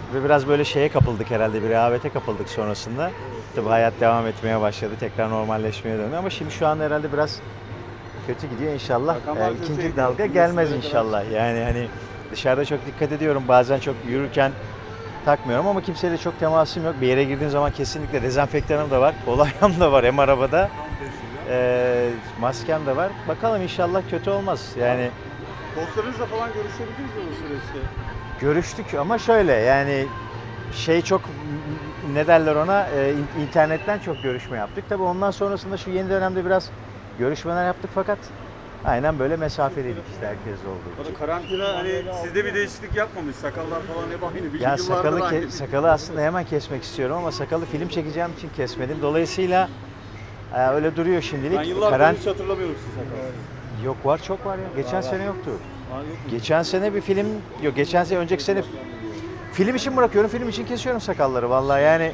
Ve biraz böyle şeye kapıldık herhalde, bir rehavete kapıldık sonrasında. Tabii hayat devam etmeye başladı, tekrar normalleşmeye döndü ama şimdi şu an herhalde biraz kötü gidiyor inşallah. İkinci dalga gelmez inşallah. Yani hani dışarıda çok dikkat ediyorum, bazen çok yürürken takmıyorum ama kimseyle çok temasım yok. Bir yere girdiğim zaman kesinlikle dezenfektanım da var, kolonyam da var hem arabada. Maskem de var. Bakalım inşallah kötü olmaz. Yani Dostlarınızla falan görüşebildiniz mi bu süreçte? görüştük ama şöyle yani çok ne derler ona internetten çok görüşme yaptık. Tabii ondan sonrasında şu yeni dönemde biraz görüşmeler yaptık fakat aynen böyle mesafeliydik işte herkes olduğu için. Karantina hani sizde bir değişiklik yapmamış. Sakallar falan hep aynı. Ya sakalı aslında hemen kesmek istiyorum ama sakalı film çekeceğim için kesmedim. Dolayısıyla öyle duruyor şimdilik. Ben yıllardır hiç hatırlamıyorum sizi sakalsız. Yok var, çok var ya. Geçen sene yoktu. Yok mu? Geçen sene bir film, yok geçen sene, önceki sene film için bırakıyorum, film için kesiyorum sakalları vallahi yani.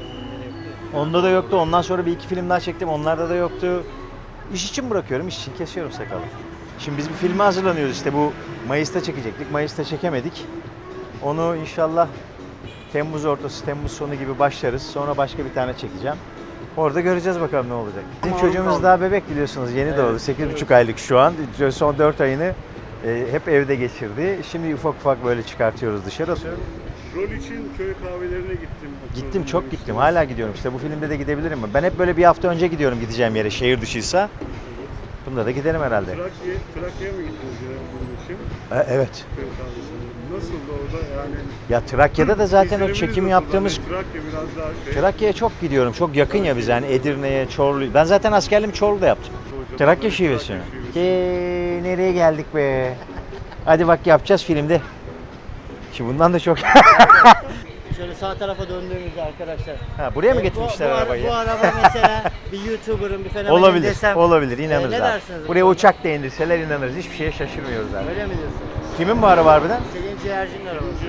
Onda da yoktu, ondan sonra bir iki film daha çektim, onlarda da yoktu. İş için bırakıyorum, iş için kesiyorum sakalı. Şimdi biz bir filme hazırlanıyoruz işte, bu Mayıs'ta çekecektik, Mayıs'ta çekemedik. Onu inşallah Temmuz ortası, Temmuz sonu gibi başlarız, sonra başka bir tane çekeceğim. Orada göreceğiz bakalım ne olacak. Bizim çocuğumuz daha bebek biliyorsunuz, yeni doğdu, 8,5 aylık şu an, son 4 ayını hep evde geçirdi. Şimdi ufak ufak böyle çıkartıyoruz dışarı. Rol için köy kahvelerine gittim. Gittim, çok gittim. Hala gidiyorum. İşte bu filmde de gidebilirim mi? Ben hep böyle bir hafta önce gidiyorum gideceğim yere, şehir dışıysa. Bunda da giderim herhalde. Trakya'ya mı gittiniz bunun için? Evet. Köy kahvesine. Nasıldı orada yani? Ya Trakya'da da zaten o çekim yaptığımız... Trakya biraz daha Trakya'ya çok gidiyorum. Çok yakın ya bize, yani Edirne'ye, Çorlu. Ben zaten askerliğimi Çorlu'da yaptım. Trakya şivesi mi? Nereye geldik be? Hadi bak yapacağız filmde. Şimdi bundan da çok... Şöyle sağ tarafa döndüğümüzde arkadaşlar. Ha, buraya mı getirmişler arabayı? Bu araba mesela bir YouTuber'ın bir fenomenin Olabilir, desem. olabilir, inanırız ne abi. dersiniz bu Buraya konuda? uçak da indirseler inanırız. Hiçbir şeye şaşırmıyoruz abi. Öyle mi diyorsun? Kimin bu araba harbiden? Selin Ciğerci'nin arabası.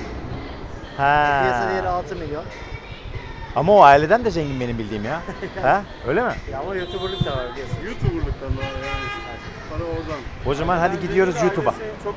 Piyasa değeri Ha. 6 milyon. Ama o aileden de zengin benim bildiğim ya. Ha? Öyle mi? Ya ama YouTuber'lık da var biliyorsun. YouTuber'lıktan daha yani. Para oradan. O zaman hadi gidiyoruz YouTube'a. Çok